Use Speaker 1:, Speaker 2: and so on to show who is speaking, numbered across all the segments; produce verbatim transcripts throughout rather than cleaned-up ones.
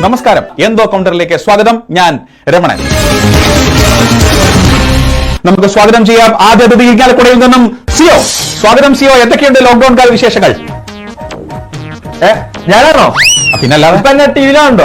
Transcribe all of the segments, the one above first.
Speaker 1: നമസ്കാരം, എന്തോ കൗണ്ടറിലേക്ക് സ്വാഗതം. ഞാൻ രമണൻ. നമുക്ക് സ്വാഗതം ചെയ്യാം ആദ്യ അതിഥി ഇരിങ്ങാലക്കുടയിൽ നിന്നും സിയോ. സ്വാഗതം സിയോ. എന്തൊക്കെയുണ്ട് ലോക്ക്ഡൌൺ കാല വിശേഷങ്ങൾ?
Speaker 2: ഞാനാണോ?
Speaker 1: പിന്നല്ലാതെ
Speaker 2: ഇപ്പൊ എന്നെ ടി വിയിലാണോ?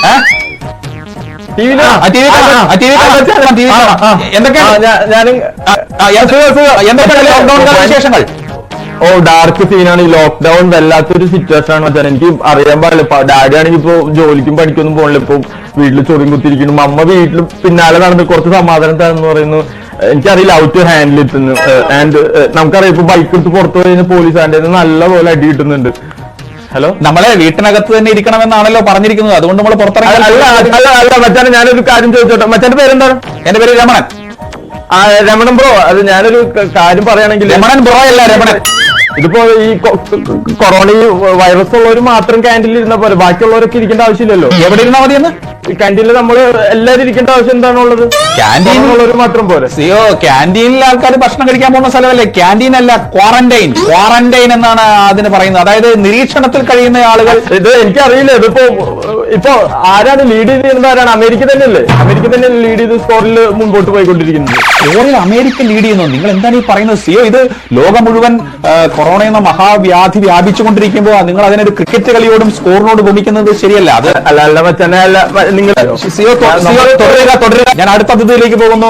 Speaker 1: എന്തൊക്കെയാണ് ലോക്ക്ഡൌൺ കാല വിശേഷങ്ങൾ?
Speaker 2: ഓ, ഡാർക്ക് സീനാണ്. ഈ ലോക്ക്ഡൌൺ വല്ലാത്തൊരു സിറ്റുവേഷൻ ആണ് വെച്ചാൽ എനിക്ക് അറിയാൻ പാടില്ല. ഡാഡി ആണെങ്കിൽ ഇപ്പൊ ജോലിക്കും പഠിക്കൊന്നും പോകണില്ല. ഇപ്പൊ വീട്ടിൽ ചൊറിയും കുത്തിരിക്കുന്നു. അമ്മ വീട്ടിൽ പിന്നാലെ നടന്ന് കുറച്ച് സമാധാനം തരാന്ന് പറയുന്നു. എനിക്കറിയില്ല ഔ ടു ഹാൻഡിൽ എത്തുന്നു. ആൻഡ് നമുക്കറിയാം ഇപ്പൊ ബൈക്ക് എടുത്ത് പുറത്തു കഴിഞ്ഞാൽ പോലീസ് ആൻഡ് നല്ല പോലെ അടി കിട്ടുന്നുണ്ട്. ഹലോ,
Speaker 1: നമ്മളെ വീട്ടിനകത്ത് തന്നെ ഇരിക്കണമെന്നാണല്ലോ പറഞ്ഞിരിക്കുന്നത്. അതുകൊണ്ട് നമ്മൾ പുറത്തിറങ്ങി.
Speaker 2: അല്ല അല്ല അല്ല മച്ചാനെ, ഞാനൊരു കാര്യം ചോദിച്ചോട്ടെ. മച്ചാന്റെ പേരെന്താണ്?
Speaker 1: എന്റെ പേര് രമണൻ.
Speaker 2: ആ, രമണൻ ബ്രോ. അത് ഞാനൊരു കാര്യം പറയുകയാണെങ്കിൽ,
Speaker 1: രമണൻ ബ്രോ അല്ല, രമണൻ.
Speaker 2: ഇതിപ്പോ ഈ കൊറോണ ഈ വൈറസ് ഉള്ളവർ മാത്രം ക്യാൻറ്റീനിൽ ഇരുന്ന പോലെ ബാക്കിയുള്ളവരൊക്കെ ഇരിക്കേണ്ട ആവശ്യമില്ലല്ലോ.
Speaker 1: എവിടെ ഇരുന്നാ മതിയെന്ന്?
Speaker 2: ക്യാൻറ്റീനിൽ നമ്മള് എല്ലാവരും ഇരിക്കേണ്ട ആവശ്യം എന്താണുള്ളത്? ക്യാൻറ്റീനുള്ളവർ മാത്രം പോലെ.
Speaker 1: സിയോ, ക്യാൻറ്റീനിൽ ആൾക്കാർ ഭക്ഷണം കഴിക്കാൻ പോകുന്ന സ്ഥലമല്ലേ ക്യാൻറ്റീൻ, അല്ല ക്വാറന്റൈൻ. ക്വാറന്റൈൻ എന്നാണ് അതിന് പറയുന്നത്. അതായത് നിരീക്ഷണത്തിൽ കഴിയുന്ന ആളുകൾ.
Speaker 2: ഇത് എനിക്കറിയില്ല. ഇതിപ്പോ ഇപ്പൊ ആരാണ് ലീഡ് ചെയ്തിരുന്നത്? ആരാണ്? അമേരിക്ക തന്നെയല്ലേ? അമേരിക്ക തന്നെ ലീഡ് ചെയ്ത് സ്കോറിൽ മുമ്പോട്ട് പോയിക്കൊണ്ടിരിക്കുന്നത്.
Speaker 1: സ്കോറിൽ അമേരിക്ക ലീഡ് ചെയ്യുന്നു. നിങ്ങൾ എന്താണ് ഈ പറയുന്നത് സിയോ? ഇത് ലോകം മുഴുവൻ കൊറോണ എന്ന മഹാവ്യാധി വ്യാപിച്ചുകൊണ്ടിരിക്കുമ്പോൾ നിങ്ങൾ അതിനൊരു ക്രിക്കറ്റ് കളിയോടും സ്കോറിനോട് ഭൂമിക്കുന്നത് ശരിയല്ല. അത്
Speaker 2: അല്ല അല്ല മച്ചനെ, അല്ല നിങ്ങൾ
Speaker 1: സിയോ തുടരുക തുടരുക. ഞാൻ അടുത്ത അതിഥിയിലേക്ക് പോകുന്നു.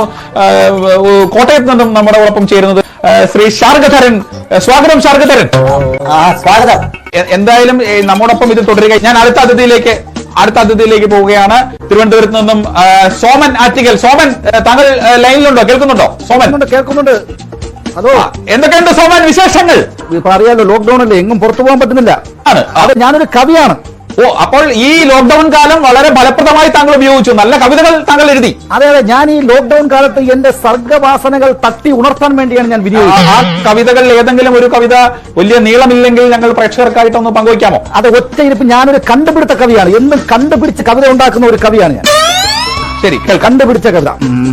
Speaker 1: കോട്ടയത്ത് നിന്നും നമ്മുടെ ഒപ്പം ചേരുന്നത് ശ്രീ ശാർഗധരൻ. സ്വാഗതം ശാർഗധരൻ.
Speaker 3: സ്വാഗതം.
Speaker 1: എന്തായാലും നമ്മോടൊപ്പം ഇത് തുടരുക. ഞാൻ അടുത്ത അതിഥിയിലേക്ക് അടുത്ത അതിഥിയിലേക്ക് പോവുകയാണ്. തിരുവനന്തപുരത്ത് നിന്നും സോമൻ ആറ്റിക്കൽ. സോമൻ, താങ്കൾ ലൈനിലുണ്ടോ? കേൾക്കുന്നുണ്ടോ? സോമൻ
Speaker 3: കേൾക്കുന്നുണ്ട്. അതോ,
Speaker 1: എന്തൊക്കെയുണ്ട് സോമൻ വിശേഷങ്ങൾ?
Speaker 3: ഇപ്പൊ അറിയാലോ, ലോക്ക്ഡൌൺ അല്ലേ, എങ്ങും പുറത്തു പോകാൻ പറ്റുന്നില്ല.
Speaker 1: അത്
Speaker 3: ഞാനൊരു കവിയാണ്.
Speaker 1: ഓ, അപ്പോൾ ഈ ലോക്ക്ഡൌൺ കാലം വളരെ ഫലപ്രദമായി താങ്കൾ ഉപയോഗിച്ചു. നല്ല കവിതകൾ താങ്കൾ എഴുതി.
Speaker 3: അതെ അതെ, ഞാൻ ഈ ലോക്ക്ഡൌൺ കാലത്ത് എന്റെ സർഗവാസനകൾ തട്ടി ഉണർത്താൻ വേണ്ടിയാണ് ഞാൻ വിനിയോഗിച്ചത്.
Speaker 1: ആ കവിതകളിൽ ഏതെങ്കിലും ഒരു കവിത വലിയ നീളമില്ലെങ്കിൽ ഞങ്ങൾ പ്രേക്ഷകർക്കായിട്ടൊന്ന് പങ്കുവയ്ക്കാമോ?
Speaker 3: അത് ഒറ്റ ഇരിപ്പ്. ഞാനൊരു കണ്ടുപിടുത്ത കവിയാണ്. എന്നും കണ്ടുപിടിച്ച് കവിത ഉണ്ടാക്കുന്ന ഒരു കവിയാണ് ഞാൻ.
Speaker 1: ശരി,
Speaker 3: കണ്ടുപിടിച്ച കവിത.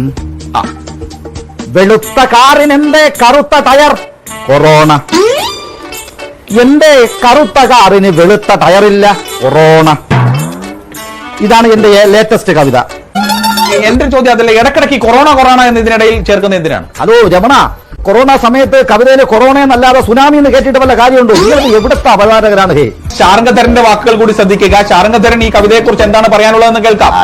Speaker 3: വെളുത്ത കാറിനെന്റെ കറുത്ത ടയർ കൊറോണ. എന്റെ കറുത്ത കാറിന് വെളുത്ത ടയറില്ല, കൊറോണ. ഇതാണ് എന്റെ ലേറ്റസ്റ്റ് കവിത.
Speaker 1: എന്റെ ചോദ്യം അതല്ല, ഇടക്കിടക്ക് കൊറോണ കൊറോണ എന്ന് ഇതിനിടയിൽ ചേർക്കുന്ന എന്തിനാണ്?
Speaker 3: ഹലോ രമണ, കൊറോണ സമയത്ത് കവിതയില് കൊറോണ എന്നല്ലാതെ സുനാമി എന്ന് കേട്ടിട്ട് വല്ല കാര്യമുണ്ടോ? നിങ്ങൾ എവിടുത്തെ അവതാരകരാണ്? ഹേ,
Speaker 1: ശാർഗധരന്റെ വാക്കുകൾ കൂടി ശ്രദ്ധിക്കുക. ശാർഗധരൻ ഈ കവിതയെ കുറിച്ച് എന്താണ് പറയാനുള്ളതെന്ന് കേൾക്കാം.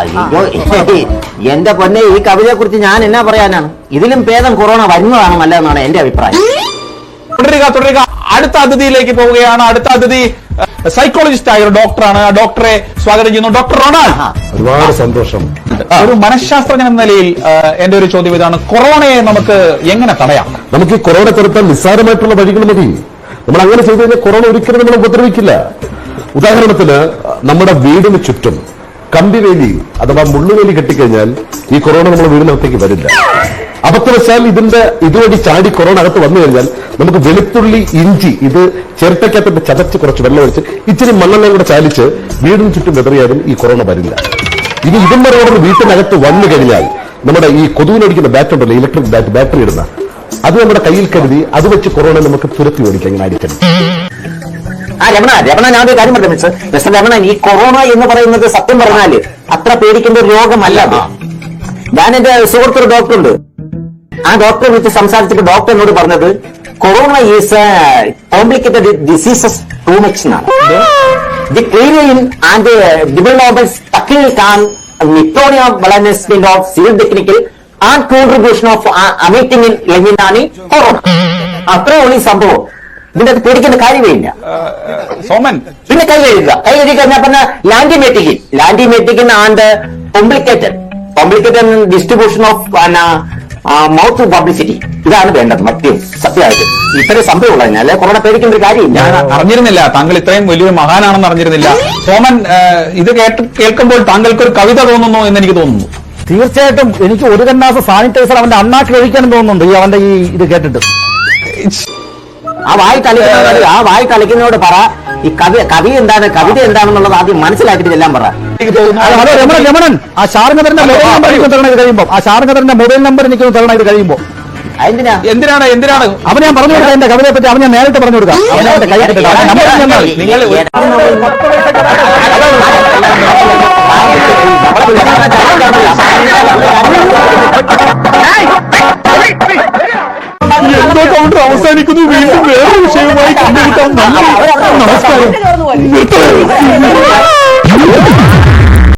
Speaker 4: എന്റെ പൊന്നെ, ഈ കവിതയെ കുറിച്ച് ഞാൻ എന്നാ പറയാനാണ്? ഇതിലും ഭേദം കൊറോണ വരുന്നതാണ് നല്ലതെന്നാണ് എന്റെ അഭിപ്രായം.
Speaker 1: തുടരുക തുടരുക. അടുത്ത അതിഥിയിലേക്ക് പോവുകയാണ്. അടുത്ത അതിഥി സൈക്കോളജിസ്റ്റ് ആയ ഒരു ഡോക്ടറാണ്. ഡോക്ടറെ സ്വാഗതം ചെയ്യുന്നു. Doctor Ronald.
Speaker 5: ഒരുപാട് സന്തോഷം.
Speaker 1: ഒരു മനഃശാസ്ത്രജ്ഞൻ എന്ന നിലയിൽ എന്റെ ഒരു ചോദ്യം ഇതാണ്, കൊറോണയെ നമുക്ക് എങ്ങനെ തടയാം?
Speaker 5: നമുക്ക് ഈ കൊറോണ തുരത്താൻ നിസ്സാരമായിട്ടുള്ള വഴികൾ മതി. നമ്മൾ അങ്ങനെ ചെയ്തു കഴിഞ്ഞാൽ കൊറോണ ഒരിക്കലും നമ്മൾ ഉപദ്രവിക്കില്ല. ഉദാഹരണത്തിന്, നമ്മുടെ വീടിന് ചുറ്റും കമ്പിവേലി അഥവാ മുള്ളുവേലി കെട്ടിക്കഴിഞ്ഞാൽ ഈ കൊറോണ നമ്മുടെ വീടിനകത്തേക്ക് വരില്ല. അബദ്ധവശാൽ ഇതിന്റെ ഇതുവഴി ചാടി കൊറോണ അകത്ത് വന്നു കഴിഞ്ഞാൽ നമുക്ക് വെളുത്തുള്ളി, ഇഞ്ചി ഇത് ചിരട്ടയ്ക്കകത്ത് ചതച്ച് കുറച്ച് വെള്ളം ഒഴിച്ച് ഇച്ചിരി മണ്ണെണ്ണയും കൂടെ ചാലിച്ച് വീടിന് ചുറ്റും വെതറിയാലും ഈ കൊറോണ വരില്ല. ഇനി ഇതിന്റെ വീട്ടിനകത്ത് വന്നു കഴിഞ്ഞാൽ നമ്മുടെ ഈ കൊതുവിനടിക്കുന്ന ബാറ്റ് ഉണ്ടല്ലോ, ഇലക്ട്രിക് ബാറ്റ്, ബാറ്ററി ഇടുന്ന, അത് നമ്മുടെ കയ്യിൽ കരുതി അത് വെച്ച് കൊറോണ നമുക്ക് തുരത്തി ഓടിക്കാം. ഇങ്ങനെ അടിക്കണം.
Speaker 4: ആ രമണ രമണ ഞാൻ ഒരു കാര്യം പറഞ്ഞു മിസ്റ്റർ മിസ്റ്റർ രമണൻ, ഈ കൊറോണ എന്ന് പറയുന്നത് സത്യം പറഞ്ഞാല് അത്ര പേടിക്കേണ്ട ഒരു രോഗമല്ല. ഞാൻ എന്റെ സുഹൃത്തൊരു ഡോക്ടറുണ്ട്. ആ ഡോക്ടറെ വിളിച്ച് സംസാരിച്ചിട്ട് ഡോക്ടർ എന്നോട് പറഞ്ഞത് corona is a complicated diseases too much എന്നാണ്. ദി ക്ലീനിങ് ആൻഡ് ഡെവലപ്മെന്റ്സ് തക്കിൽ കാൻ നിറ്റോണിയ വളനസ്മെന്റ് of civil technical and contribution of emitting in ലെമിനാണ് കൊറോണ. അത്രേ ഉള്ളൂ ഈ സംഭവം. ഇതിന്റെ അത് പേടിക്കേണ്ട കാര്യമേ ഇല്ല.
Speaker 1: സോമൻ,
Speaker 4: പിന്നെ കൈ കഴുകുക. കൈ കഴുകി കഴിഞ്ഞാൽ പറഞ്ഞ ലാൻഡിമെറ്റിക്കിൻ ലാൻഡിമെറ്റിക്കിൻ and complicated complicated distribution of mouth publicity. ഇതാണ് വേണ്ടത്. മറ്റു സത്യമായിട്ട് ഇത്രയും സംഭവമുള്ള കഴിഞ്ഞാൽ കൊറോണ പേടിക്കേണ്ട ഒരു കാര്യമില്ല.
Speaker 1: ഞാൻ അറിഞ്ഞിരുന്നില്ല താങ്കൾ ഇത്രയും വലിയൊരു മഹാനാണെന്ന് അറിഞ്ഞിരുന്നില്ല. സോമൻ, ഇത് കേട്ട് കേൾക്കുമ്പോൾ താങ്കൾക്ക് ഒരു കവിത തോന്നുന്നു എന്ന് എനിക്ക് തോന്നുന്നു.
Speaker 3: തീർച്ചയായിട്ടും എനിക്ക് ഒരു കന്നാസ് സാനിറ്റൈസർ അവന്റെ അണ്ണാക്കിൽ ഒഴിക്കാനും തോന്നുന്നുണ്ട് ഈ അവന്റെ ഈ ഇത് കേട്ടിട്ട്.
Speaker 4: ആ വായി കളിക്കുന്നവരോട് ആ വായി കളിക്കുന്നവരോട് പറ, ഈ കവി കവി എന്താണ്, കവിത എന്താണെന്നുള്ളത് ആദ്യം മനസ്സിലാക്കിയിട്ട് എല്ലാം പറ.
Speaker 3: ഹലോ രമണൻ, രമണൻ, ആ ശാർഗധരന്റെ മൊബൈൽ നമ്പർ എനിക്ക് തരണം ഇത് കഴിയുമ്പോൾ. ആ ശാർഗധരന്റെ മൊബൈൽ നമ്പർ എനിക്ക് തരണം ഇത് കഴിയുമ്പോൾ.
Speaker 4: എന്തിനാ
Speaker 1: എന്തിനാണ് എന്തിനാണ്
Speaker 3: അവൻ ഞാൻ പറഞ്ഞു കൊടുക്കാം. എന്റെ കവിതയെ പറ്റി അവൻ ഞാൻ നേരിട്ട് പറഞ്ഞു കൊടുക്കാം. അവനെ കൈ
Speaker 4: നിങ്ങൾ
Speaker 2: നമസ്കാരം.